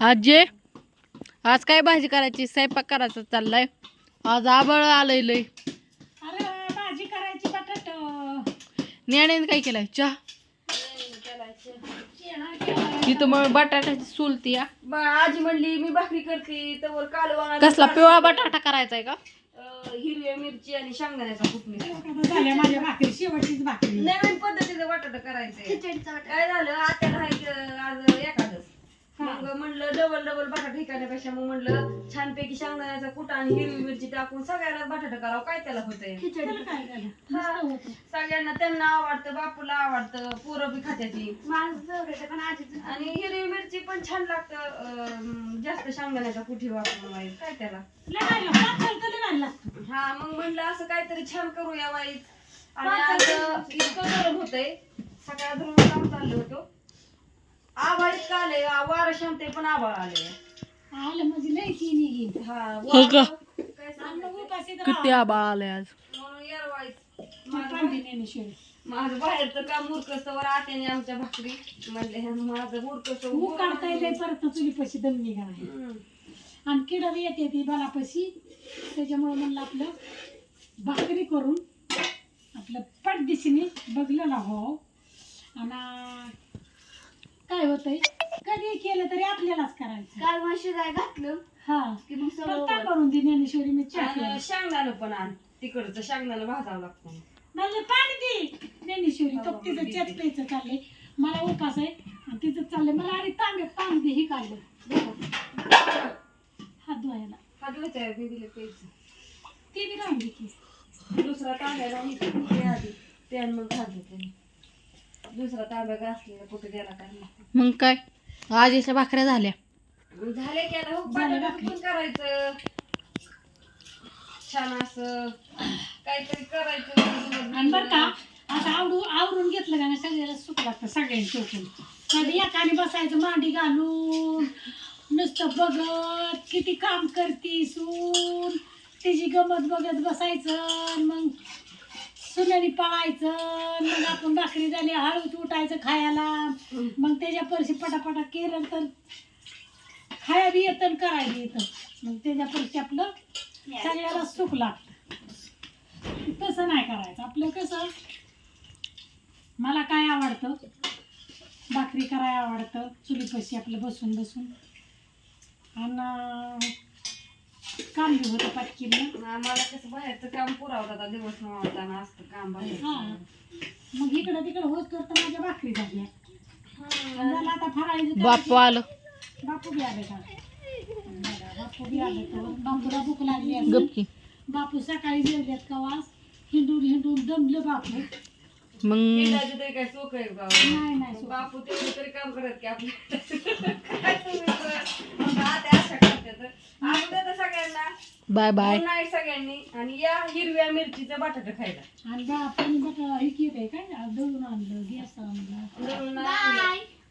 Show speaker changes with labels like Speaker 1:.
Speaker 1: आजे आज काय भाजी करायची स्वयंपाक करायचा चाललाय आज आबळ आलंय लय
Speaker 2: अरे भाजी करायची बटाट
Speaker 1: न्याण्याने काय केलाय चहा तिथं मग बटाट्याची सुलती
Speaker 3: आजी म्हणली मी भाकरी करते तर कालवा
Speaker 1: कसला पिवळा बटाटा करायचा का
Speaker 3: हिरव्या मिरची आणि शेंगदाण्याचा फुटणी
Speaker 2: झाल्या माझ्या भाकरी शेवटचीच भाकरी
Speaker 3: नवीन पद्धतीचं बटाटा करायचंय काय झालं आत्याला आज एखादच मग म्हणलं डबल बटाटा ठिकाण्यापेक्षा मग म्हणलं छानपैकी शेंगदाण्याचा कुटा आणि हिरवी मिरची टाकून सगळ्याला बटाटा करावं काय त्याला होतंय सगळ्यांना त्यांना आवडतं बापूला आवडतं पोरं बी खात्याची आणि हिरवी मिरची पण छान लागतं जास्त शेंगदाण्याचा कुठी वापरून वाईट काय त्याला हा मग म्हणलं असं काहीतरी छान करूया वाईट आणि आज इतकं गरम होतंय सकाळ धरून काम चाललं होतं आभाळ इतकं आले वार शांत पण आभाळ आले
Speaker 2: आलं म्हणजे लय की निघेल
Speaker 1: हो का किती आबाळ आलंय आज
Speaker 3: म्हणून यार वाईट माझं बाहेरचं काम मुरकस्तवर आत्याने आमच्या भाकरी म्हणले माझं मुरकस्त
Speaker 2: काढता येते परत चुलीपाशी दम निघा आणि किडा बी येते ती बलापाशी त्याच्यामुळे म्हणलं आपलं भाकरी करून आपलं पटदिशीने बघलेला हो आणि काय होतंय कधी केलं तरी आपल्यालाच करायचं
Speaker 3: काल मग शिजाय घातलं
Speaker 2: हा
Speaker 3: की मग सगळं
Speaker 2: काय करून दे ज्ञानेश्वरी मी चहा
Speaker 3: शेंगदाणं पण आण तिकडचं शेंगदाणं भाजावं लागतं
Speaker 2: मला पाणी दे ज्ञानेश्वरी तो तिचं चेत प्यायचं चाललंय मला उपास आहे आणि तिचं चाललंय मला आणि तांब्यात पाणी दे ही काढलं हात धुवायला
Speaker 3: हात धुवायचं बेबीला प्यायचं
Speaker 2: ते बी राहून की
Speaker 3: दुसरा तांब्या लावून आधी ते मग हात धुते दुसरा तांब्या घासलेला कुठे गेला काय माहिती
Speaker 1: मग काय आजीच्या भाकऱ्या झाल्या
Speaker 3: झाले की आता बटाटा पण करायचं छान असं काहीतरी करायचं
Speaker 2: आणि बरं का आता आवरून घेतलं का नाही सगळ्याला सुख लागतं सगळ्यांनी चौकून कधी एकाने बसायचं मांडी घालून नुसतं बघत किती काम करती सून तिची गमत बघत बसायचं मग सुनेनी पळायचं मग आपण भाकरी झाली हळूच उठायचं खायला मग त्याच्या परशी पटापटा केलं तर खाया बी येतं आणि करायला येतं मग त्याच्या परशी आपलं सगळ्याला सुख लागतं तसं नाही करायचं आपलं कसं मला काय आवडतं भाकरी करायला आवडतं चुलीपाशी आपलं बसून बसून आणि काम बी होतं पाटकीनं
Speaker 3: आम्हाला कसं बाहेरचं काम पुरावतं आता दिवस नव्हताना असतं काम बाहेर
Speaker 2: हा मग इकडं तिकडं होत करता माझ्या भाकरी झाल्या झालं आता फराळीचं
Speaker 1: बापू आलं
Speaker 2: बापू बी आले का बापू बी आले तर बापूला भूक लागली असेल.
Speaker 1: गपकी
Speaker 2: बापू सकाळी जेवल्यात का वास हिंडून हिंडून दमलं बापू
Speaker 1: मग
Speaker 3: हिंडायचं तरी काय सोख आहे का
Speaker 2: नाही नाही
Speaker 3: बापू तेवढं तरी काम करत की आपल्या काय तुम्ही तर आता अशा करतात अगोदर तर सगळ्यांना
Speaker 1: बाय बाय
Speaker 3: नाही सगळ्यांनी आणि या हिरव्या मिरचीचं बटाटा खायला
Speaker 2: आणि बापूने बघा हे केलंय काय दळून आणलं गॅस आणलं
Speaker 3: दळून आणलं.